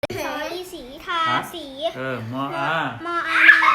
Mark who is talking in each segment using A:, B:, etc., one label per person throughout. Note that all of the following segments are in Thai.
A: สออีสีทาสี
B: มออาม
A: ออานา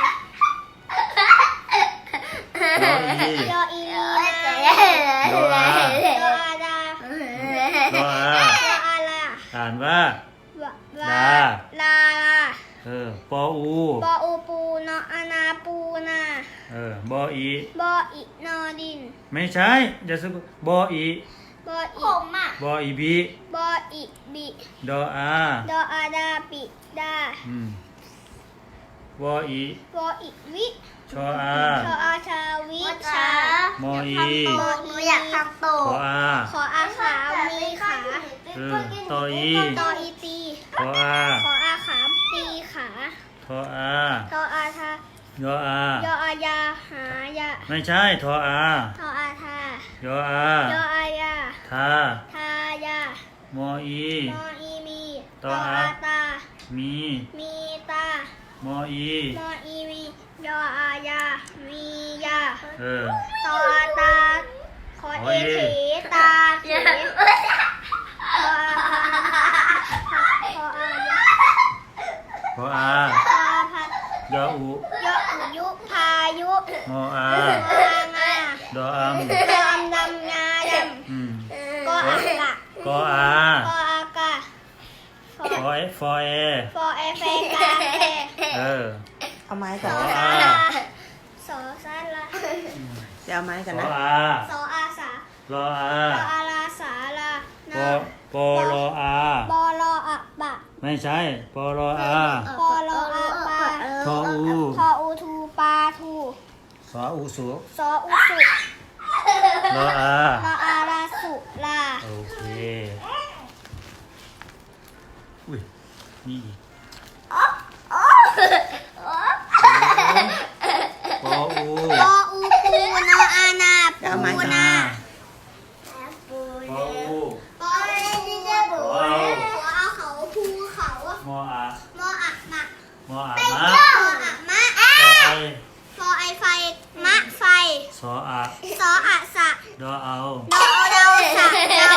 B: ดออี
A: ยออีลีนา
B: ดออา
A: ดออาดา
B: ดออา
A: ดออาลา
B: อ่านว่า
A: ลาลาลา
B: ปออู
A: ปออูปูนออานาปูนา
B: บออี
A: บออีนอดิน
B: ไม่ใช่จะสะกดบออี
A: บออีผมอ่ะ
B: บออีบี
A: บออีบิ
B: ดออา
A: ดออาดาปิดา
B: บออี
A: บออีวิ
B: ชออา
A: ชออาชาวิชาม
B: ออี
A: มออีอยากทำโต
B: ขออา
A: ขออาขามีขา
B: ตออี
A: ตออีตี
B: ขออา
A: ขออาขาตีขา
B: ทออา
A: ทออาทาย
B: ออาย
A: ออายาหายา
B: ไม่ใช่ทออา
A: ทออาทาย
B: ออาย
A: ออายา
B: ทา
A: ทายาม
B: ออี
A: มออีมี
B: ตออา
A: ตา
B: มี
A: มีตาม
B: ออี
A: มออีมียออายามียา ตออาตาขอเอเขตาเขขออายา
B: ขออา
A: พาพัด
B: ยออุ
A: ยออุยุพายุ
B: มออา
A: งางา
B: ดออัม
A: ดำดำงาดำก็อากะ
B: กออา
A: ก็อากะ
B: ฟอเอฟอเอ
A: ฟอเอเฟกาเฟ
C: เอาไม้
A: ส
C: ก่อน
A: อ
C: นะ
A: ซาลาสอซาลา
C: จะเอาไม้ก่อน
B: ขอ
C: นะ
B: อา
A: สออาสาร
B: ออา
A: สออาลาสาลา
B: ปอปอรออา
A: บอลออะบะ
B: ไม่ใช่ปอรออา
A: ปอลออะปา
B: ทออู
A: ทออูทูปาทู
B: สออูสุ
A: สออุสุ
B: รออา
A: ลออาลาสุลา
B: โอเคอุ้ยนี่อีกปออู
A: ปออูปูนออานา
C: จะเอาไม้
A: ปู
C: ก่อน
A: นา
B: ปออู
A: ปออะไรที่จะปูปอเอาเขาภูเขา
B: มออาม
A: ออะมะ
B: มออามะ
A: มออะมะ
B: ปอไอ
A: ฟอไอไฟมะไฟ
B: สออา
A: สออะสะ
B: ดอเอา
A: ดอเอาเดาสะเดาก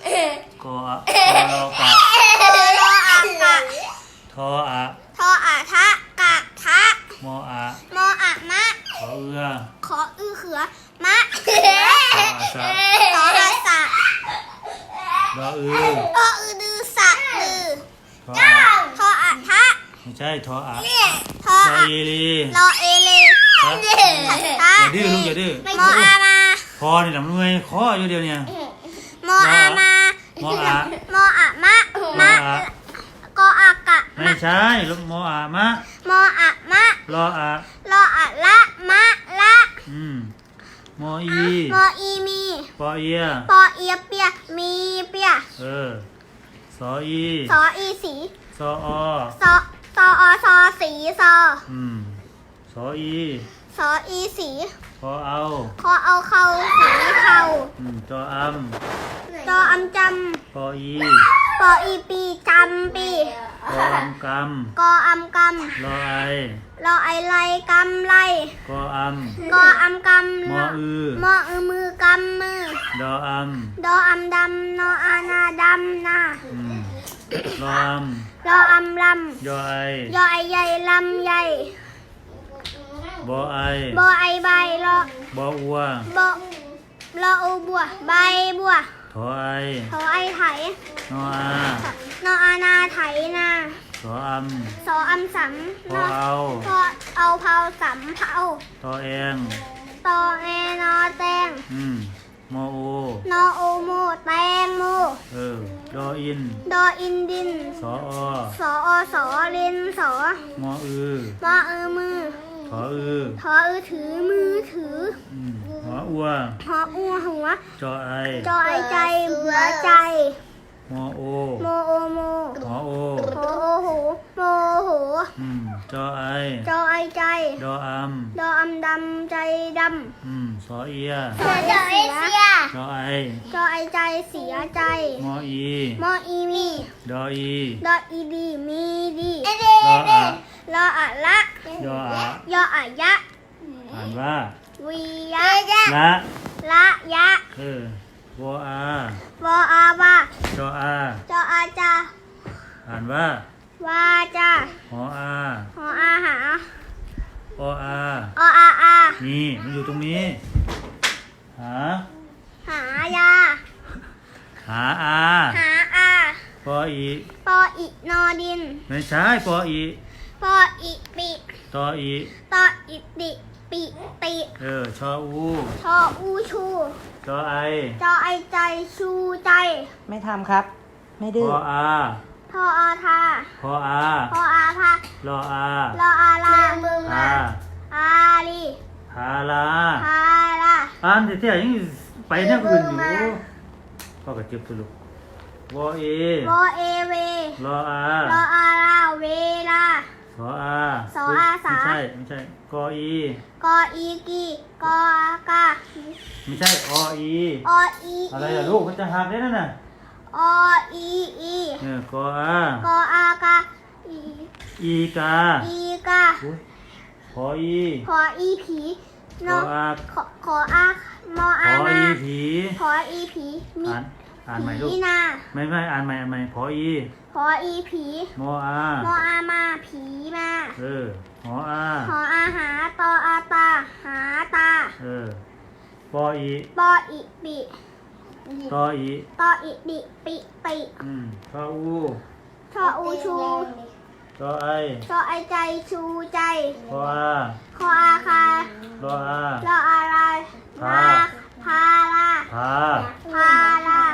B: ออะกอรอกะ
A: โลอะกะ
B: ทออะ
A: ทออะทะกะทะ
B: มออะ
A: มออะมะ
B: ขอเอือ
A: ขออื้อเขือมะ
B: สออะสะ
A: ขออาสะ
B: ดออือ
A: ขออือดือสะลือ
B: ทออะ
A: ทออะทะ
B: ไม่ใช่ทออะ
A: ทอ
B: ทอ
A: อะ
B: อีลี
A: รอเอเล
B: ทอ
A: ทะ
B: อย่าดื้อลูกอย่าดื้อ
A: มออามา
B: พอนี่ลำด้วยคออยู่เดียวเนี่ย
A: มออามา
B: มออะ
A: มออะมะ
B: มอ
A: มะ
B: อะ
A: กออากะ
B: ไม่ใช่ลูกมออะมะ
A: มออะมะ
B: รออะ
A: รออะละมะละ
B: มออี
A: มออีมี
B: ปอเอีย
A: ปอเอียเปียมีเปีย
B: สออี
A: สออีสี
B: สออ
A: สอสออซอสีซอ
B: สออี
A: สออีสี
B: พอเอา
A: ขอเอาเขาสีเขา
B: จออัม
A: จออำจ
B: ปออี
A: ำปออีปีจำปี
B: ปออัมก
A: กออำก
B: ำรอไอ
A: ำรอไอไลกำไล
B: กออัม
A: กออำกำ
B: มออือ
A: มออือมือกำมือ
B: ดออัม
A: ดออำดำนออานาดำนา
B: รออัม
A: รออำล
B: ยอไอ
A: ำยอไอใหญ่ลำใหญ่
B: บอไอบ
A: อไอใบรอบ
B: ออัว
A: บอรออูบัวใบบัว
B: ทอไอ
A: ขอไอไถ
B: นออาน
A: ออานาไถนา
B: สออัม
A: สออำสำ
B: พอเอา
A: พอเอาเผาสำเผา
B: ทอเอง
A: ตอแอนอแตง
B: มอโอน
A: อโอโมแตงโม
B: ดออิน
A: ดออินดิน
B: สออ
A: สออสอเลนสอ
B: มออือ
A: มออือมือ
B: ทออือ
A: ทออือถือมือถือ
B: หัวอัว
A: หออูหัว
B: จอไอ
A: จอไอใจหัวใจ
B: มอโอ
A: โมโอโม
B: หอโอ
A: โหโอโหโมโห
B: จอไอ
A: จอไอใจ
B: ดออัม
A: ดออำดำใจด
B: สอเอีย
A: ำจอไอเสีย
B: จอไอ
A: จอไอใจเสียใจ
B: มออี
A: มออีมี
B: ดออี
A: ดออีดีมีดี
B: รออะ
A: รออะละ
B: ยออะ
A: ยออะยะ
B: อ่านว่า
A: วียะ
B: ละ
A: ละยะ
B: วออาว
A: ออาวา
B: จออา
A: จออาจา
B: อ่านว่า
A: ววาจา
B: หออา
A: หออาหา
B: ออา
A: ออาอา
B: นี่มันอยู่ตรงนี้ หา
A: หายา
B: หาอา
A: หาอา
B: ปออี
A: ปออินอดิน
B: ไม่ใช่ปออี
A: ปออิปิ
B: ตออี
A: ตออิติปิติ
B: ชออู
A: ชออูชู
B: จอไอ
A: จอไอใจชูใจ
C: ไม่ทำครับ ไม่ดื้
B: พ
C: อ
B: ออา
A: ทออาทา
B: พออา
A: พออาพาร
B: ออา
A: ลออาลา
B: อา
A: อาลี
B: พาลา
A: พาลา
B: อ่านเที่ยยังไปเนี่ยอื่นอยู่พ่อก็เจ็บตัวลูกวอเอ
A: วอเอเว
B: รออา
A: รออาลาเวลา
B: สออา
A: สออาสา
B: ไม่ใช่กออี
A: กออีกีกออากา
B: ไม่ใช่ออี
A: ออี
B: อะไรล่ะลูกมันจะหักได้นั่นน่ะ
A: ออีอี
B: กออาก
A: ออากาอี
B: อีกา
A: อีกา
B: อุ๊ยพออี
A: ขออีผีน
B: ขออา
A: ขออามอ
B: พ
A: อา
B: อ
A: มา
B: อีผี
A: ขออีผีมี
B: อ่านใหม่ลูก
A: ผีนา
B: ไม่อ่านใหม่พออี
A: ขออีผี
B: มออาม
A: ออามาผีมา
B: หออา
A: ขออาหาตออาตาหาตา
B: ปออี
A: ปออิปิ
B: ตออี
A: ตออิดิปิติ
B: ชออู
A: ชออูชู
B: ชอไอ
A: ชอไอใจชูใจ
B: พออา
A: ขออาคาร
B: ออา
A: รออาลาลาพาลา
B: พา
A: พาลาว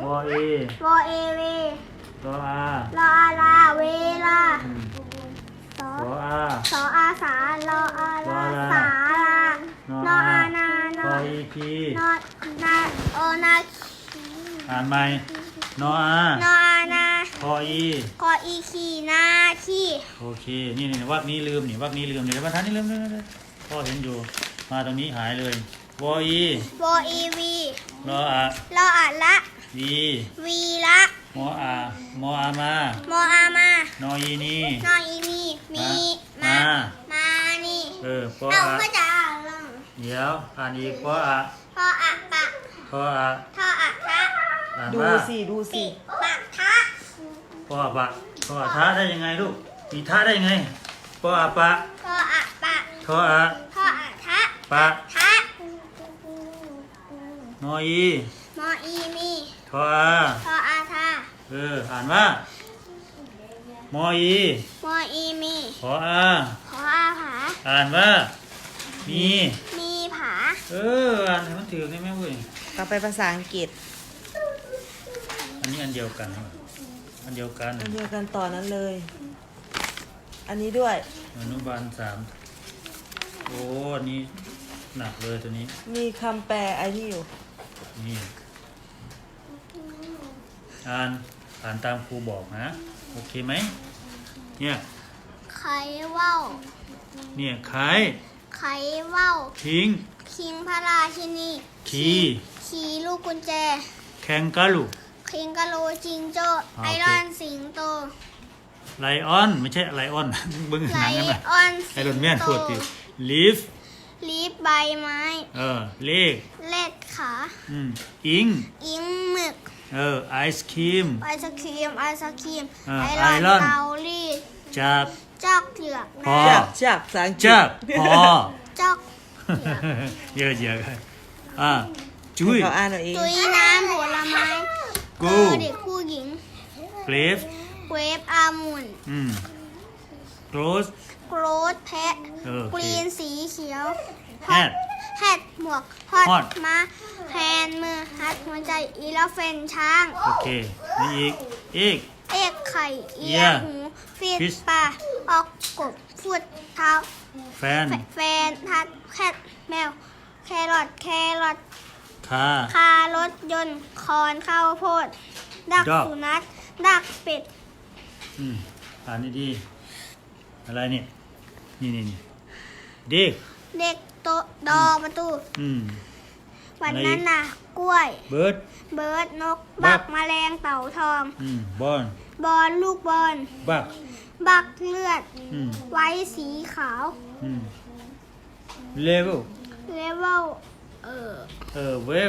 B: อเอ
A: วอเอเว
B: รออาร
A: ออาลาเวลาสอ
B: รออา
A: สออาสารออาลาสาลานออานา น
B: พ
A: อ
B: ออีพี
A: นอนาโอนา
B: อ่านใหม่นออาน
A: ออานา
B: พออี
A: กออีขีนาขี
B: โอเคนี่วรรคนี้ลืมวรรคนี้ลืมเดี๋ยวบรรทัดนี้ลืมพ่อเห็นอยู่มาตรงนี้หายเลยวออี
A: วออีวี
B: รออาร
A: ออาละ
B: วี
A: วีละ
B: มออามอามาม
A: ออามาน
B: ออีนี
A: นออีมีมีมามานี่
B: ปอ
A: เอา
B: อา
A: ก็จะอ่านลง
B: เดี๋ยวอ่านอีกปออา
A: พออะปะ
B: ปออา
A: ทออะทะ
B: อ่าน
C: ดู
B: ว่า
C: สิดูสิ
A: ปะทะ
B: ปออาปะปออาท้าได้ยังไงลูกมีท้าได้ยังไงปออาปะ
A: พออะปะ
B: ทออา
A: พออะทะ
B: ปะ
A: ทะ
B: นออี
A: มออีมี
B: ทออา
A: พออาทา
B: อ่านว่ามออี
A: มออีมี
B: ขออา
A: ขออาผา
B: อ่านว่ามี
A: มีผา
B: อ่านให้มันถือได้ไหมเว้ย
C: ต่อไปภาษาอังกฤษ
B: อันนี้อันเดียวกันอันเดียวกัน
C: อันเดียวกันต่อนั้นเลย อันนี้ด้วย
B: อนุบาล3โอ้อันนี้หนักเลยตัวนี้
C: มีคำแปลไอ้นี่อยู่
B: นี่อ่านตามครูบอกนะโอเคไหมเนี่ย
A: ไขว่าว
B: เนี่ยไข่
A: ไขว่าว
B: ทิ้ง
A: คิงพระราชินี
B: คี
A: ขี่ลูกกุญแจ
B: แคงกาลู
A: คิงกะโลจิงโจ้
B: โอเค
A: ไอรอนสิงโต
B: ไลออนไม่ใช่ไลออน เบิ้ง
A: ไล
B: หนังกันนะ
A: ออน
B: ไอรอนแมนพูดติลีฟ
A: ลีฟใบไม้
B: เลข
A: เล็ดขา
B: อิง
A: อิงหมึก
B: ไอศครีม
A: ไอศครีมไอศครีม
B: ไอ
A: ไอ
B: ร
A: ร
B: อ
A: อน นเตารีด
B: จับ
A: จอกเหลือก
B: พอ
A: น้
C: จากภาษาอังกฤษ
B: จับพอ
A: ำจอกเหลือก
B: เยอะจุ้ย
C: เขาอ่านเอาเอง
A: ตุยน้ำผลไม้
B: กู
A: เด็กผู้หญิง
B: เกรฟ
A: เวฟอามุน
B: โกรส
A: โกรธแพะ
B: โอเค
A: กรีนสีเขียว
B: แฮด
A: แฮดหมวกฮอ
B: ฮอ
A: ด
B: ด
A: ม้าแฮนมือฮัดหัวใจอีเลฟเฟนช้าง
B: โอเคนี่อีก
A: เอกไข่เอีย
B: Yeah
A: หูฟิต
B: Fish
A: ปลาออกกบฟุดเท้า
B: แฟน
A: แฟนทัดแคทแมว แครอท
B: คา
A: คารถยนต์คอนข้าวโพด ดัก
B: Dog
A: สุนัขดักเป็ด
B: อ่านดีๆอะไรเนี่ยนี่เด็ก
A: เด็กโตะดอประตู วัน
B: อะไรอีก
A: นั้นน่ะ กล้วย
B: เบิร์ด
A: เบิร์ดนก
B: บั
A: บั
B: ก
A: กแมลงเต่าทอง
B: บอล
A: บอลลูกบอล
B: บัก
A: บักเลือด
B: อืม
A: ไว้สีขาว
B: เลเวล
A: เลเวล
B: เวล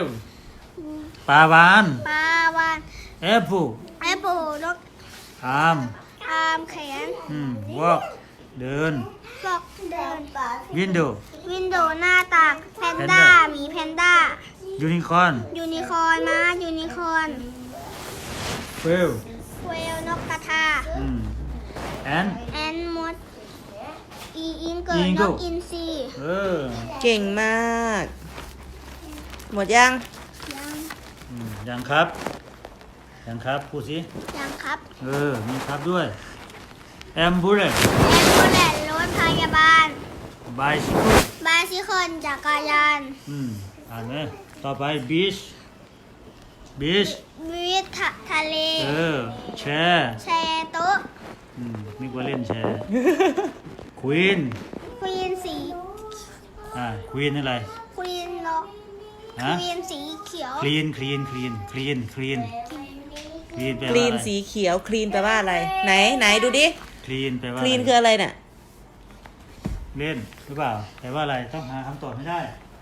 B: ปลาวาน
A: ปลาวาน
B: แอปเปิล
A: แอปเปิลนก
B: อาร์ม
A: อาร์มามแขน
B: walk เดิน
A: ฟอกเดิน
B: window
A: วินโดว์หน้าต่างแพนด้า
B: Panda
A: หมีแพนด้า
B: unicorn
A: ยูนิคอร์นม้ายูนิคอร์น
B: whale
A: เวลนกกระทา
B: ant
A: แอนมดอิงเกิลน
B: Eagle
A: กอินทรี
C: เก่งมาก หมดยัง
A: ยัง
B: ยังครับยังครับพูดสิ
A: ยังครับ
B: มีครับด้วย ambulance
A: แอนโบแลนรถพยาบาล
B: bicycle
A: บาซิคอนจักรยาน
B: อ่านไหมต่อไป beach beach
A: วิททะเล
B: แชร์
A: แชร์โต๊ะ
B: นึกว่าเล่นแชร์ queen
A: ควีนสี
B: queen อะไร
A: ควีนนก
B: ฮะ
A: ควีนสีเขียว
B: clean clean clean clean clean clean แปล
C: ค
B: ว่า
C: ลีน
B: อะไร
C: สีเขียว คลีนแปลว่าอะไร ไหนดูดิ
B: clean แปลว่า
C: คลีน
B: อะไร
C: คืออะไรเนี่ย
B: เล่นหรือเปล่าแปลว่าอะไรต้องหาคำตอบให้ได้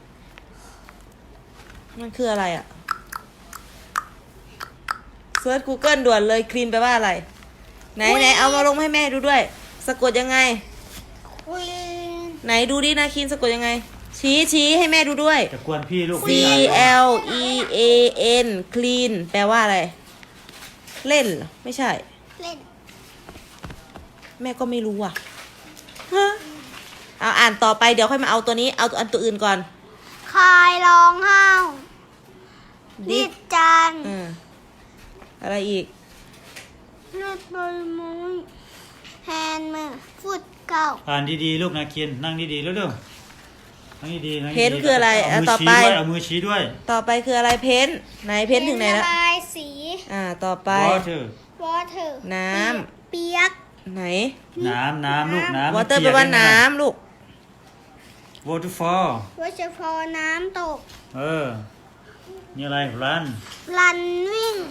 C: มันคืออะไรอ่ะเซิร์ช Google ด่วนเลย คลีนแปลว่าอะไร ไหนเอามาลงให้แม่ดูด้วย สะกดยังไง
A: ควีน
C: ไหนดูดินะคลีนสะกดยังไง ชี้ให้แม่ดูด้วย
B: จะกวนพี่ลูก
C: C L E A N คลีนแปลว่าอะไร เล่นเหรอ ไม่ใช่
A: เล่น
C: แม่ก็ไม่รู้อ่ะฮะเอาอ่านต่อไปเดี๋ยวค่อยมาเอาตัวนี้ เอาอันตัวอื่นก่อน
A: คายร้องห้าว
C: ดิ
A: ดิดจาน
C: อะไรอีก
A: เลือดบอลมุ้ยแฮนด์มือฟุตเก่า
B: อ่านดีๆลูกนะเคียนนั่งดีๆเร็วๆนั่งดีๆนั่งดีๆ
C: เพ้นคืออะไร
B: เอามือ
C: ต่อ
B: ชี้
C: ไป
B: ด้วยเอามือชี้ด้วย
C: ต่อไปคืออะไรเพ้นไหนเพ้นถึงไหนแล้ว
A: ระบายสี
C: ต่อไป
B: water
A: วอเตอร์
C: น้
A: เปียก
C: ไหน
B: น้ำลูกน้ำ
C: วอเตอร์แปลว่าน้ำลูก
B: waterfall
A: วอเฉพาะน้ำตก
B: นี่อะไร run
A: รันวิ่ง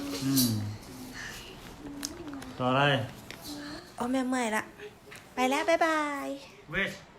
B: ต่ออะไร
C: แม่เมื่อยละ ไปแล้ว บ๊ายบาย
B: west